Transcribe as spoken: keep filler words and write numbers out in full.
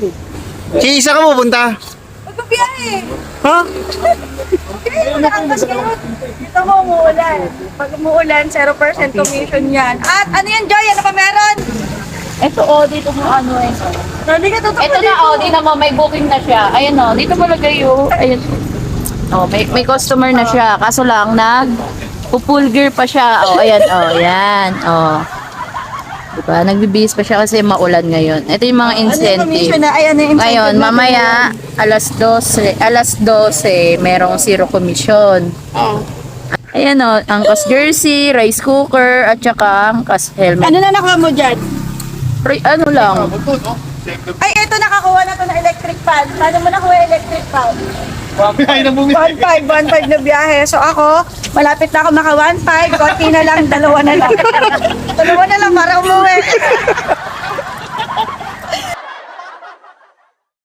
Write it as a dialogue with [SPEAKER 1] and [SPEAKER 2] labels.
[SPEAKER 1] Kisa ka mo punta?
[SPEAKER 2] Magpabiyahe.
[SPEAKER 1] Ha?
[SPEAKER 2] Okay, nakakas kayo. Dito mo umuulan. Pag umuulan, zero percent commission yan. At ano yan, Joy? Ano pa meron?
[SPEAKER 3] Ito o, dito mo ano eh.
[SPEAKER 2] Hindi ka tutok
[SPEAKER 3] Ito na o, di naman may booking na siya. Ayan o, dito mo lagay o. Ayan. O, may, may customer na siya. Kaso lang, nag full gear pa siya. O, ayan o, ayan. O. Diba? Nagbibihis pa siya kasi maulan ngayon. Ito yung mga
[SPEAKER 2] Ano yung commission
[SPEAKER 3] incentive.
[SPEAKER 2] na? Ay, ano yung incentive
[SPEAKER 3] Ngayon,
[SPEAKER 2] natin?
[SPEAKER 3] mamaya, alas dose, alas dose, merong zero commission. Ayan o, angkas jersey, rice cooker, at saka angkas helmet.
[SPEAKER 2] Ano na nakuha mo dyan?
[SPEAKER 3] Pri- ano lang,
[SPEAKER 2] Ay, ito nakakuha na to na electric fan. Paano mo nakuha yung electric fan?
[SPEAKER 1] Ay, na bumi.
[SPEAKER 2] one five, one five na biyahe. So ako, malapit na ako maka one five. Konti na lang, dalawa na lang. Dalawa na lang para umuwi.